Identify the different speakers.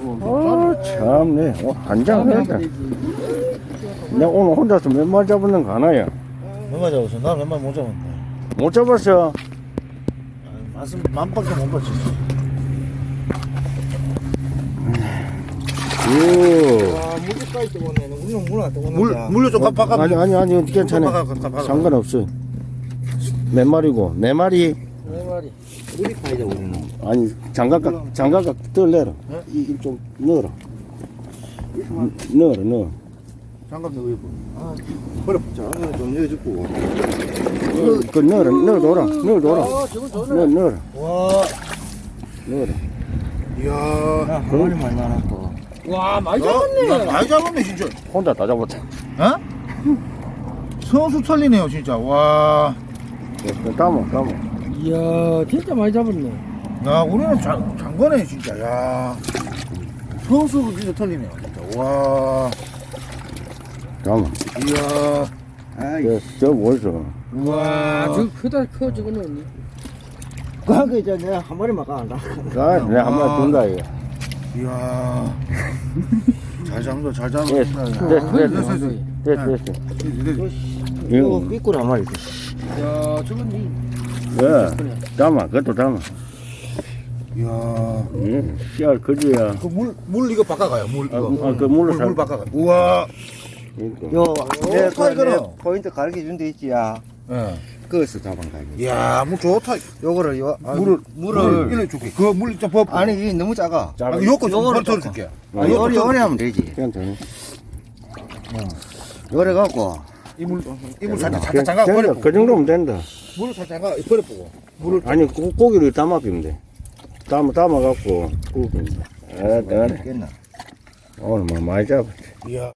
Speaker 1: 참네. 한장 된다. 내가 오늘 혼자서 몇 마리 잡았는 거 하나야?
Speaker 2: 몇 마리 잡았어? 나 몇 마리 못 잡았네.
Speaker 1: 못 잡았어.
Speaker 2: 말씀 만밖에 못 봤지.
Speaker 1: 오.
Speaker 3: 와, 물까지 떠오네. 우리는 물안 떠오네.
Speaker 2: 물로 좀 바꿔.
Speaker 1: 아니, 괜찮아.
Speaker 2: 바꿔.
Speaker 1: 상관없어. 몇 마리고? 네 마리?
Speaker 3: 네 마리. 우리 파이자 우리는.
Speaker 1: 아니, 장갑각 덜 내라. 이좀 넣어라. 넣어.
Speaker 2: 장갑 넣어 입고.
Speaker 3: 그래, 장갑 좀 넣어주고.
Speaker 1: 그 넣어둬라.
Speaker 3: 저거 좋네.
Speaker 1: 넣어라.
Speaker 2: 와,
Speaker 1: 넣어라.
Speaker 2: 이야.
Speaker 3: 한 마리만 나눴고. 와, 많이
Speaker 2: 야,
Speaker 3: 잡았네.
Speaker 2: 많이 잡았네 진짜.
Speaker 1: 혼자 다 잡았다.
Speaker 2: 어? 선수 털리네요 진짜. 와.
Speaker 1: 담아.
Speaker 3: 이야, 진짜 많이 잡았네.
Speaker 2: 야, 우리는 장거네 진짜. 야. 선수 진짜 털리네요 진짜. 와.
Speaker 1: 담아.
Speaker 2: 이야.
Speaker 1: 저 뭐였어?
Speaker 2: 와.
Speaker 3: 저거 크다, 커, 저거는.
Speaker 4: 그거 이제 내가 한 마리만 까한다.
Speaker 1: 내가 한 마리 준다, 이거.
Speaker 2: 이야. 잘 잡는다, 잘
Speaker 1: 됐어.
Speaker 2: 잡는다.
Speaker 1: 됐어.
Speaker 4: 이거
Speaker 1: 이거,
Speaker 4: 삐꾸리 한 마리.
Speaker 3: 야, 저건
Speaker 1: 담아. 그것도 담아.
Speaker 2: 이야.
Speaker 1: 씨알 거지야.
Speaker 2: 그 물 이거 바꿔가요. 물 이거.
Speaker 1: 그 물로
Speaker 2: 물 바꿔가. 우와.
Speaker 4: 요, 내
Speaker 2: 타이거는.
Speaker 4: 포인트 가르쳐 준 데 있지, 야.
Speaker 2: 예.
Speaker 4: 그것을 잡은 거야.
Speaker 2: 이야, 물 좋다.
Speaker 4: 요거를, 요,
Speaker 2: 물을 일로 줄게. 그 물 좀 법.
Speaker 4: 아니, 이게 너무 작아.
Speaker 1: 작아.
Speaker 2: 요거 좀
Speaker 4: 요거를
Speaker 2: 털어 줄게.
Speaker 4: 요리 하면 되지.
Speaker 1: 괜찮아.
Speaker 4: 요래 갖고.
Speaker 2: 이물 살짝 잠가 버려.
Speaker 1: 그 정도면 된다.
Speaker 2: 물을 살짝 잠가 버려 보고. 물을
Speaker 1: 아니, 고기를 담아 비면 돼. 담아갖고, 구우면 돼.
Speaker 4: 겠나
Speaker 1: 오늘 뭐 많이 잡았지.
Speaker 2: 이야.